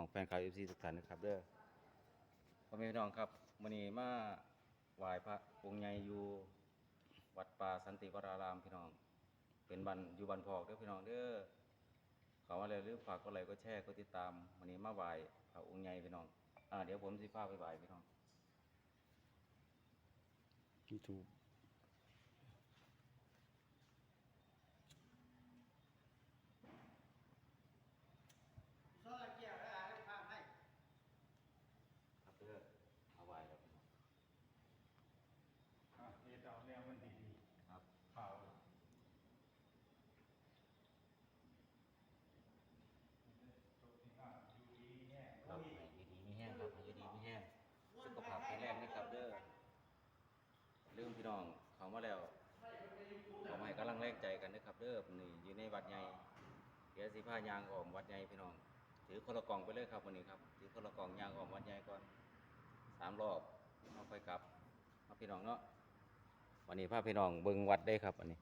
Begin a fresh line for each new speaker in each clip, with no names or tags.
องแฟนคลับ FC ทุกท่านนะครับเด้อพ่อแม่พี่น้องครับมื้อนี้มาไหว้พระองค์ใหญ่อยู่วัดป่าสันติวรารามพี่น้องเป็นบ้านอยู่บ้านพอกเด้อพี่น้องเด้อเขาว่าอะไรหรือฝากกดไลค์กดแชร์กดติดตามมื้อนี้มาไหว้พระองค์ใหญ่พี่น้องเดี๋ยวผมสิพาไปไหว้พี่น้อง
YouTube
ครับเด้อมาไหว้ครับพี่น้อง
เฮ็ดเอาแนวมันดี
ครับ
ๆข่าว
ครับให้อยู่ดีมีแห้งครับให้อยู่ดีมีแห้งสุขภาพแข็งแรงนะครับเด้อลืมพี่น้องเขามาแล้วขอมาให้กำลังแรงใจกันนะครับเด้อนี่อยู่ในวัดใหญ่เดี๋ยวสิพายางออมวัดใหญ่พี่น้องถือคนละกล่องไปเลยครับวันนี้ครับถือคนละกล่องยางออมวัดใหญ่ก่อน3 รอบเอาค่อยกลับเอาพี่น้องเนาะวันนี้พาพี่น้องเบิ่งวัดได้ครับวันนี้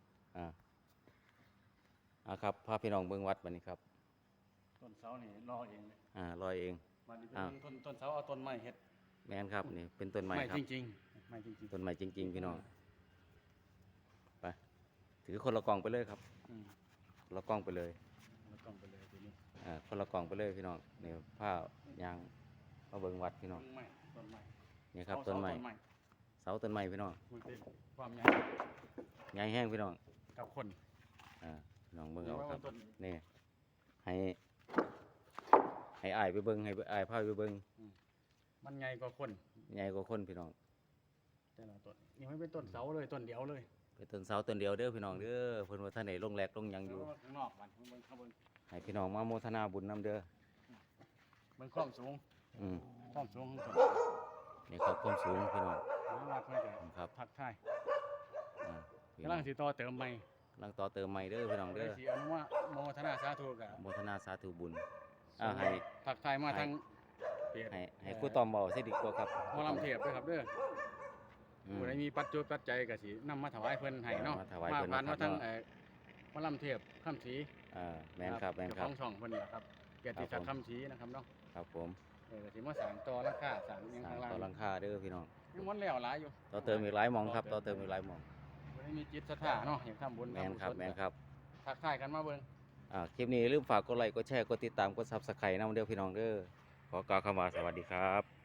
ครับพาพี่น้องเบิ่งวัดวันนี้ครับ
ต้นเสานี่รอเองเลย
ลอยเอง
มันนี่เป็นต้นเสาเอาต้นไม้เฮ็ด
แม่นครับนี่เป็นต้นไม้ครับ
จริงๆไม้จริง
ต้นไม้จริงๆพี่น้องไปถือคนละกล่องไปเลยครับ
ๆ
คนละกล่องไปเลย
แล้วต้องไปเลยทีนี้
คนละกล่องไปเลยพี่น้องนี่ผ้ายางมาเบิ่งวัดพี่น้อง
ต้นไม้
นี่ครับต้นไม้เสาต้นไม้พี่น้อง
มันเป็นความใหญ่
ใหญ่แห้งพี่น้อง
กับคน
พี่น้องเบิ่งเอาครับ
ต้น
นี่ให้อ้ายไปเบิ่งให้อ้ายพาไปเบิ่ง
มันใหญ่กว่าคน
ใหญ่กว่าคนพี่น้อง
แต่ละต้นนี่ไม่เป็นต้นเสาเลยต้นเดียวเลย
เป็นต้นเสาต้นเดียวเด้อพี่น้องเด้อเพิ่นว่าท่านไหนลงแรกลงหยังอยู่
ข้างนอกมันเบิ่งข้างบน
ให้พี่น้องมาโมทนาบุญนํเด้อ
เบิ่งความสูง ความสูงของต้น
นี่ครับความสูงพี่น้อง
วัดไม่ได้
ครับ
ทักทาย
พี่
กำ
น้
ลั
อง
งสิต่อเติมใหม่
กำลังต่อเติมใหม่เด้อพี่น้อง
เดี๋
เด้
ยว
อ
สิอนุโมทนาสาธุกับ
โมทนาสาธุบุญให้
ทักทายมาทางเพจ
ให้ครูตอมเบาสิดีกว่าครับ
หมอลำเทพด้วยครับเด้อผู้ใดมีปัจจุปัจจัยก็สินำมาถวายเพิ่นให้เนาะ
มาถวายเพิ่น
ผ่าน
นะครับ
มาทาง
เนาะ
หมอลำเทพคำศรี
แม่นครับแม่นค
เจ้า
รั
ข
บ
องช่องเพิ่นล่ะครับเกียรติศักดิ์
ครับผม
คำศรีนะครับเนาะ
ครับผม
ก็สิมาสร้างต่อราคาสร้างอิหยัง
สร้าง
ข้างล่าง
ต่อหลังคาเด้อพี่น้อง
ยังมันแล้วหลายอยู่
ต่อเติมอีกหลายหม่องครับต่อเติมอีกหลายหม่อง
ผู้ใดมีจิตศรัทธาเนาะอยากทำบุญ
แม่นครับ
ทำกุศล
แม่นครับ
ทักทายกันมาเบิ่ง
คลิปนี้อย่าลืมฝากกดไลค์กดแชร์กดติดตามกด Subscribe นำเด้อพี่น้องเด้อขอกล่าวคำว่าสวัสดีครับ